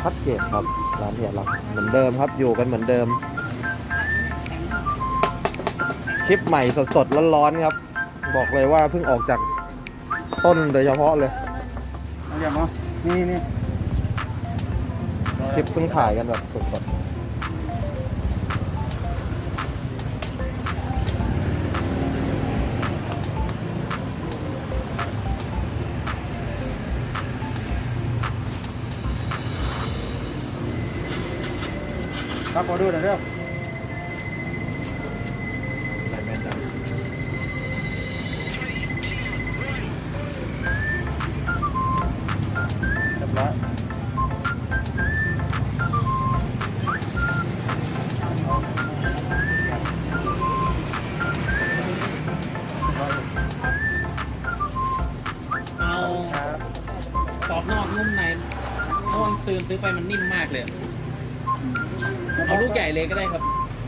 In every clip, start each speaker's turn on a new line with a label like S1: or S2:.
S1: พัดเกตครับร้านเฮียเราเหมือนเดิมครับอยู่กันเหมือนเดิมคลิปใหม่สดๆร้อนๆครับบอกเลยว่าเพิ่งออกจากต้นโดยเฉพาะเลย
S2: เอาอย่างเนาะนี่
S1: คลิปเพิ่งถ่ายกันแบบสด
S2: รับออเดอร์หน่อยเด้อเรียบร้อย
S3: เอากรอบนอกนุ่มในเพราะว่าซื้อไปมันนิ่มมากเลย เอาลูกใหญ่เลยก็ได้ครับ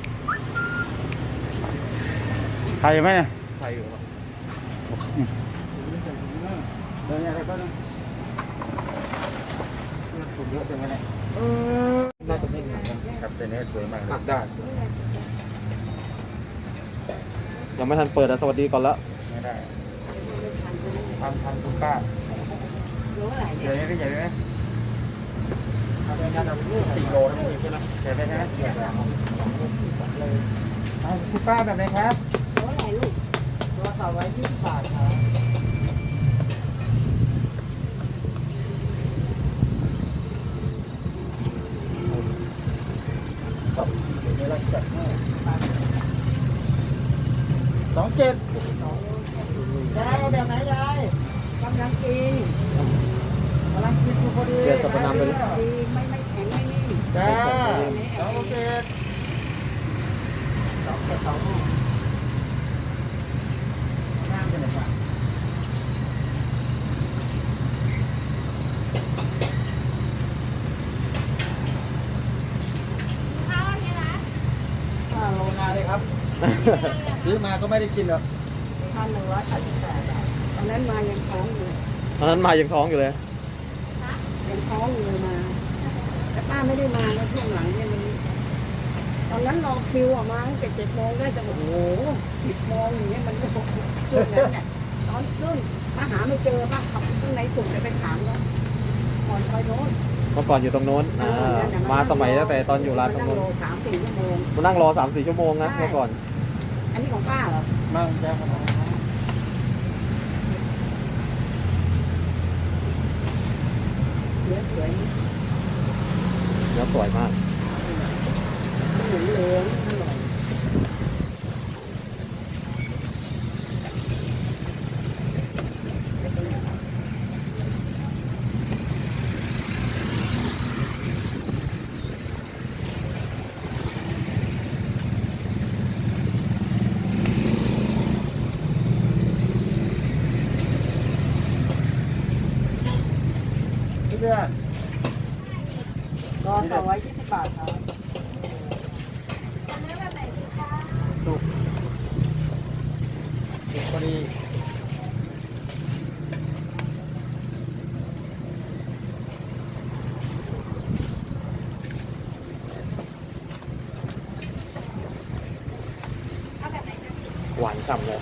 S2: ใครไหมเนี่ย
S1: ๆไทยอยู่ครับ
S2: เดี๋ยวอะไรก็ต้องถูกเยอะจังเลยเนี่ย
S1: น่าจะนิ่งนะครับ
S2: ครับเป็นเนื้อสวยมากเลย
S1: หักได้ยังไม่ทันเปิดสวัสดีก่อนแล้ว
S2: ไม่ได้ทำคุณป้าเดี๋ยวนี้ก็ใหญ่ไหม4 โลทั้งหมดใช่ไหมใช่ไหมใช่ไหมคุณป้าแบบไหนครับตัวไหนลูกตัวสาวไว้20 บาทครับเดี๋ยวเราจัดให้27ยายเอาแบบไหนยายกำลังกินอยู่พอดี
S1: เปลี่ยนสรรพนามไปเลย
S4: ไม่แข็งไม่นิ่ม
S2: จ้าโอเคน้ำเป็นไงบ้างโลนาเลยครับ ซื้อมาก็ไม่ได้กินหรอก
S4: 1,188 บาทตอนนั้นมายังท้องอยู่
S1: ตอนนั้นมายังท้องอยู่เลย
S4: ยังท้องอยู่เลยมา แต่ป้าไม่ได้มาในช่วงหลังเนี่ยมันตอนนั้นรอคิวออกมาตั้งแต่7 โมงได้จะโอ้โห10 โมงอย่างเงี้ยมันก็ช่วงนั้นเนี่ยตอนขึ้นมาหาไม่เจอป้าขับข้างในสุดเลยไปถามว่าก่อนไปโน้น
S1: เมื่อก่อนอยู่ตรงโน้นมาสมัยตั้งแต่ตอนอยู่ร้านตรงโน้น
S4: 3-4 ชั่วโมง
S1: มานั่งรอ 3-4 ชั่วโมงนะเมื่อก่อน
S4: อันนี้ของป้าเหรอ
S2: มั่งจ้าครับ
S4: เหลือสวย
S1: เนื้อสวยมาก
S4: เหลืองเหลืองอร่อย
S2: เพื่อน
S4: ก็220 บาทครับ
S2: พอดี
S1: หวานฉ่ำเลย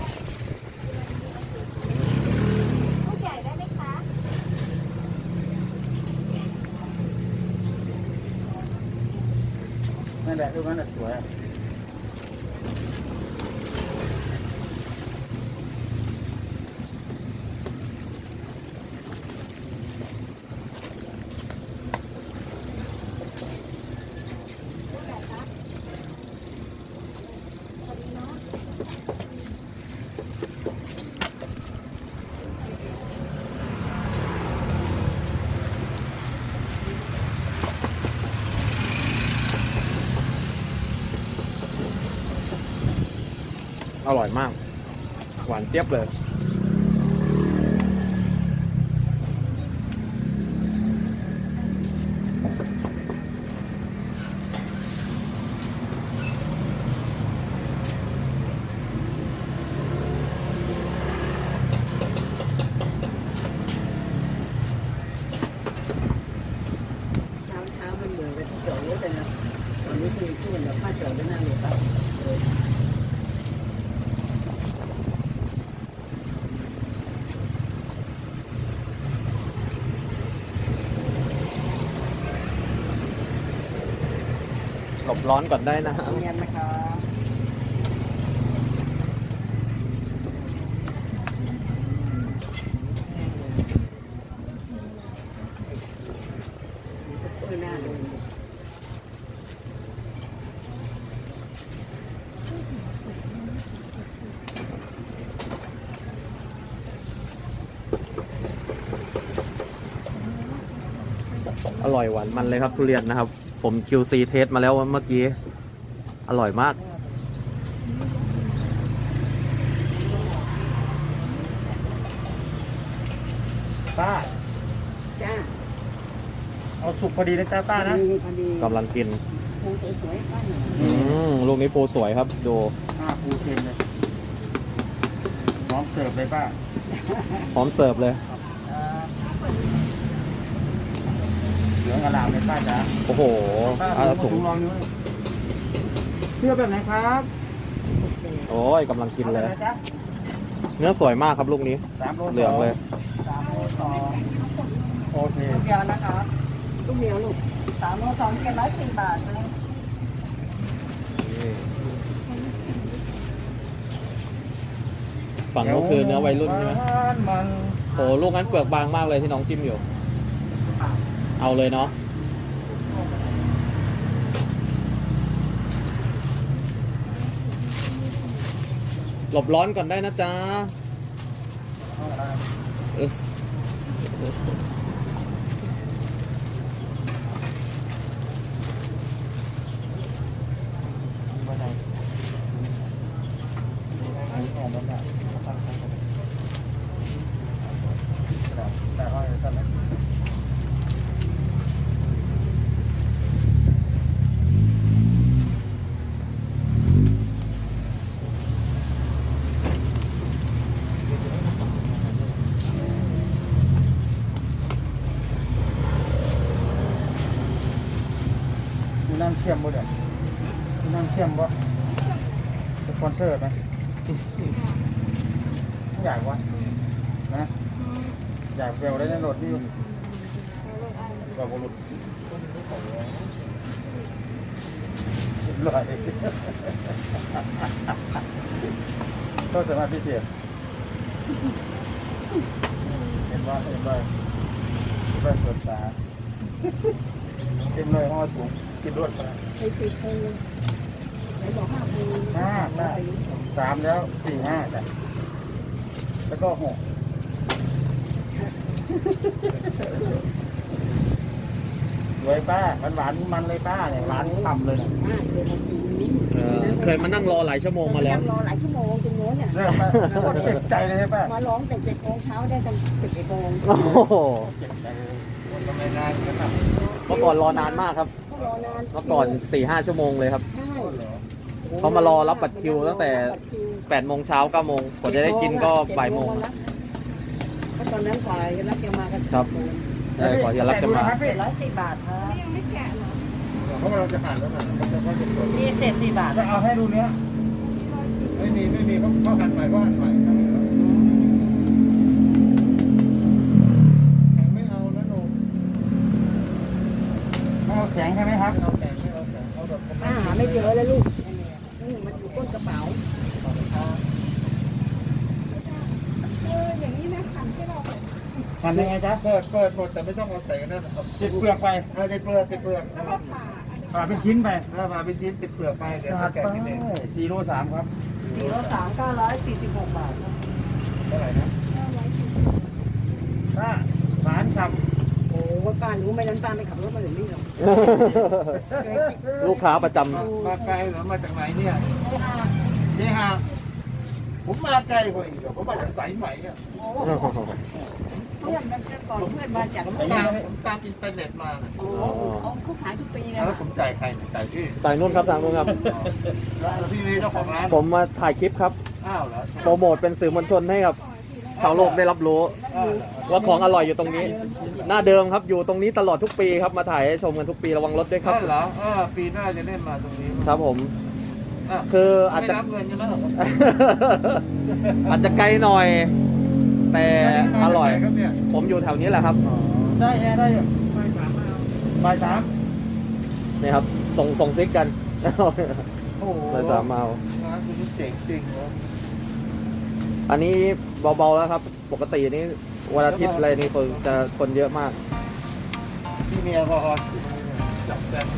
S2: นั่นแหละดูมันสวย
S1: อร่อยมาก หวานเจี๊ยบเลย
S4: เช้าร็จแล้วตอนนี้คือช่วยเดี๋ยวป้าจอดไว้หน้าเลยป้า
S1: หลบร้อนก่อนได้นะฮะ
S4: เรียนนะครับเปิดหน้าเลย
S1: อร่อยหวานมันเลยครับทุเรียนนะครับ ผม QC เทสมาแล้วเมื่อกี้ อร่อยมาก
S2: ป้า
S4: จ้า
S2: เอาสุกพอดีนะจ้าป้านะ
S4: พอดี
S1: กำลังกิน
S4: ปูสวยๆป้าหน่อย
S1: ลูกนี้ปูสวยครับ ดู
S2: ปูเค็มเลยพร้อมเสิร์ฟเลยป้า
S1: พร้อมเสิร์ฟเลย
S2: เหลืองอลามเลยป้าจ๋า
S1: โอ้โห
S2: ป้า
S1: เอา
S2: ถุ
S1: ถุ
S2: ง
S1: ง
S2: ลองดูเสื้อแบบไหนครับ
S1: โอ้ยกำลังกินเลย
S2: อาแบบไหจ๊ะ
S1: เนื้อสวยมากครับลูกนี้
S2: 3 โล
S1: เหลืองเลย
S2: 3 โล 2โอเค
S4: ลูกเดียวนะครับลูกเดียวลูก3 โล 2 710 บาทนะ
S1: ฝั่งนู้นคือเนื้อวัยรุ่นใช่ไหม
S2: มัน
S1: โอ้ลูกนั้นเปลือกบางมากเลยที่น้องจิ้มอยู่ เอาเลยเนาะ หลบร้อนก่อนได้นะจ๊ะอึ๊ส
S2: มีน้ำเค็มบ่เดี๋ยวมีน้ำเค็มบ่สปอนเซอร์ไหมไม่อยากวะนะอยากเวลได้ในรถที่แบบบุรุษลอยก็สามารถพิเศษเห็นว่าสวนตาเต็มเลยห้อถุงกินรวดไป
S4: ไอ้ติดปูไหนบอก5 ปู
S2: 3 แล้ว 4 5จ้ะแล้วก็6สวยป้าหวานมันเลยป้าเนี่ยหวานฉ่ำเลยเนี่ย
S1: เคยมานั่งรอหลายชั่วโมงมาแล้ว
S4: รอหลายชั่วโมงตรงโน้นเนี่ย
S2: เริ่มป้าโคตรเจ็บใจเลยใช่ป้า
S4: มาร้องแต่7 โมงเช้าได้กัน11 โมง
S1: โอ้โห
S2: เจ็บใจเลยทำไมนานกันครับ
S1: เมื่อก่อนรอนานมากครับ
S4: เขารอนาน
S1: เมื่อก่อน 4-5 ชั่วโมงเลยครับ
S4: ใช่
S1: เขามารอรับบัตรคิวตั้งแต่ 8 โมงเช้า 9 โมงกว่าจะได้กินก็บ่ายโมง
S4: ก็ตอนนั้นฝ่ายรับจะมากัน
S1: ครับ ก่อนจะรับจะมา
S4: 710 บาทครับ
S2: เขาเราจะผ่านแล้วนะเขาจะเก็บตัว
S4: นี่เศษ4 บาท
S2: จะเอาให้ดูเนี้ยไม่มีเขาหั่นใหม่เขาหั่นใหม่ไม่เอานะหนูเอาแข็งใช่ไหมครับเอาแข็งไม่เอาแข็งเอาแบบ
S4: ป้าหาไม่เจอเลยลูกนี่มันอยู่ก้นกระเป๋า
S2: หั่นยังไงจ๊ะเปิดหมดแต่ไม่ต้องเอาใส่กันนั่นติดเปลือกไปติดเปลือกผ่าเป็นชิ้นไปผ่าเป็นชิ้นติดเปลือกไปเดี๋ยวแกะกินเอง4 โล 3ครับ
S4: 4 โล 3 946 บาท
S2: เท่าไหร่นะป้าหวานฉ่ำ
S4: โอ้ป้ารู้ไหมนั้นป้าไม่ขับรถมาถึงนี่หรอก
S1: ลูกค้าประจ
S2: มาไกลเหรอมาจากไหนเนี่ยนี่ฮะผมมาไกลกว่าอีกผมมาจากสายไหมอ่ะ
S1: ำ
S4: เพื่อนมันจะก่อนเพื่อนมาจาก
S2: ผมตามอินเทอร์เน็ตมา
S4: โอ้เขาขายทุกปีเลย
S2: แล้วผมจ่ายใครจ่ายพี่
S1: จ่ายนู่นครับทางนู้นครับ
S2: แล้วพี่นี่เจ้าของร้าน
S1: ผมมาถ่ายคลิปครับ
S2: อ้าวเหรอ
S1: โปรโมทเป็นสื่อมวลชนให้กับชาวโลกได้รับรู้ ว่าของอร่อยอยู่ตรงนี้ หน้าเดิมครับอยู่ตรงนี้ตลอดทุกปีครับมาถ่ายให้ชมกันทุกปีระวังรถด้วยครับ
S2: เหรอปีหน้าจะเล่นมาตรงนี้
S1: ครับผม คืออาจจะ
S2: ไม่รับเงินกันแล้วเหรอ
S1: อาจจะไกลหน่อย แต่อร่อย
S2: ครับเนี่ย
S1: ผมอยู่แถวนี้แหละครับ
S2: ได้แอร์ได้อยู่บ่ายสาม
S1: นี่ครับ ส่งซิกกัน
S2: โอ้โห
S1: เลยสามเมา
S2: ร้านคุณเจ๋งจริงเหรอ
S1: อันนี้เบาๆแล้วครับ ปกตินี้วันอาทิตย์อะไรนี่คนเยอะมาก
S2: ที่มีแอลกอฮอล์จับแซม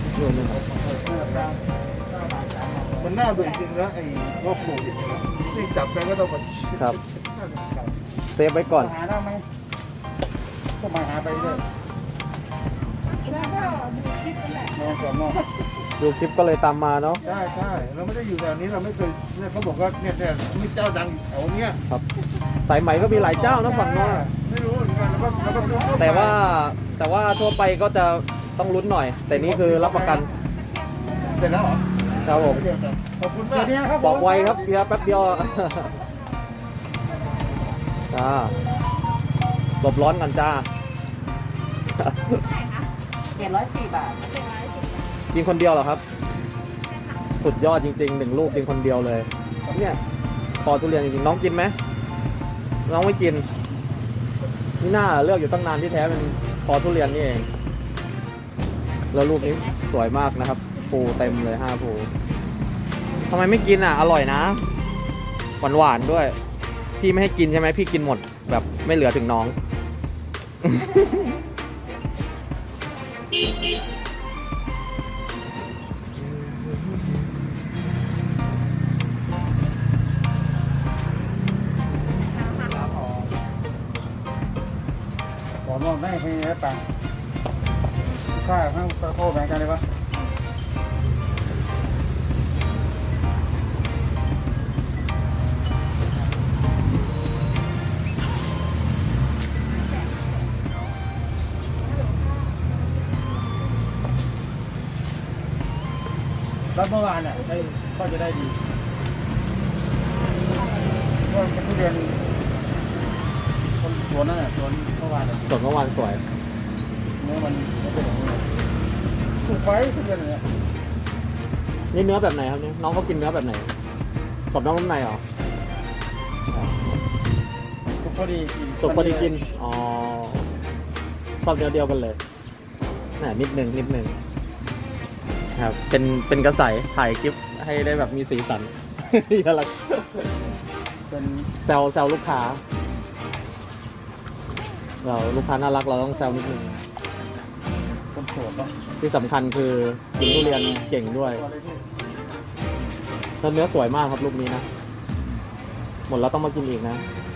S2: มันน่าเบื่อจริงนะไอ้โรคโควิดนี่จับไปก็ต้องมา
S1: ครับ เซฟไว้ก่อน
S2: หาได้ไหมก็มาหาไปเรื่อย
S4: แล้วก็ดูคลิปนั่นแหละ
S2: นอนก่อนนอน
S1: ดูคลิปก็เลยตามมาเนาะ
S2: ใช่ใช่เราไม่ได้อยู่แถวนี้เราไม่เคยเนี่ยเขาบอกว่าเนี่ยมีเจ้าดังแถวเนี้ย
S1: ครับ สายไหมก็มีหลายเจ้านะฝั่งโน้น
S2: ไม่รู้เหมือนกันแล้วก็ซื้อทั่วไป
S1: แต่ว่าทั่วไปก็จะต้องลุ้นหน่อย แต่นี่คือรับประกัน
S2: เสร็จแล้วเหรอ
S1: ครับผม
S2: เดี๋ยวกันขอบคุณมากเนี่ยครับ
S1: บอกไวครับเพียแป๊บเดียว จ้าหลบร้อนกันจ้า
S4: 704 บาท
S1: กินคนเดียวเหรอครับ สุดยอดจริงๆ1 ลูกกินคนเดียวเลย เนี่ยคอทุเรียนจริงๆน้องกินไหมน้องไม่กินนี่น่าเลือกอยู่ตั้งนานที่แท้เป็นคอทุเรียนนี่เองแล้วลูกนี้สวยมากนะครับภูเต็มเลย5 ภูทำไมไม่กินอ่ะอร่อยนะหวานๆด้วยพี่ไม่ให้กินใช่ไหมพี่กินหมดแบบไม่เหลือถึงน้อง
S2: ขอนอนได้เพียงแค่ตังค์ค่าข้างตะโคแบ่งกันเลยปะรับเมื่อวานอ่ะได้ก็จะได้ดีก็เป็นทุเรียนคนสวนนั่นแหละสวนเมื่อวานอะ
S1: ส่วนเมื่อวานสวย
S2: เนื้อมันไม่เป็นอย่างนี้สุกไปทุเรียนอย่างเงี้ย
S1: นี่เนื้อแบบไหนครับเนี่ยน้องเขากินเนื้อแบบไหนกรอบนอกนุ่มในเหรอ
S2: สุกพอดีกิน
S1: สุกพอดีกินอ๋อชอบเนื้อเดียวกันเลยน่ะนิดนึงครับเป็นกระใสถ่ายคลิปให้ได้แบบมีสีสัน อย่าละ
S2: เป็น
S1: แซวลูกค้าเราลูกค้าน่ารักเราต้องแซวนิดนึง
S2: คนโสดปะ
S1: ที่สำคัญคือกินทุเรียนเก่งด้วย
S2: ตัวอะไรที่
S1: แล้วเนื้อสวยมากครับลูกนี้นะ หมดแล้วต้องมากินอีกนะ
S2: เ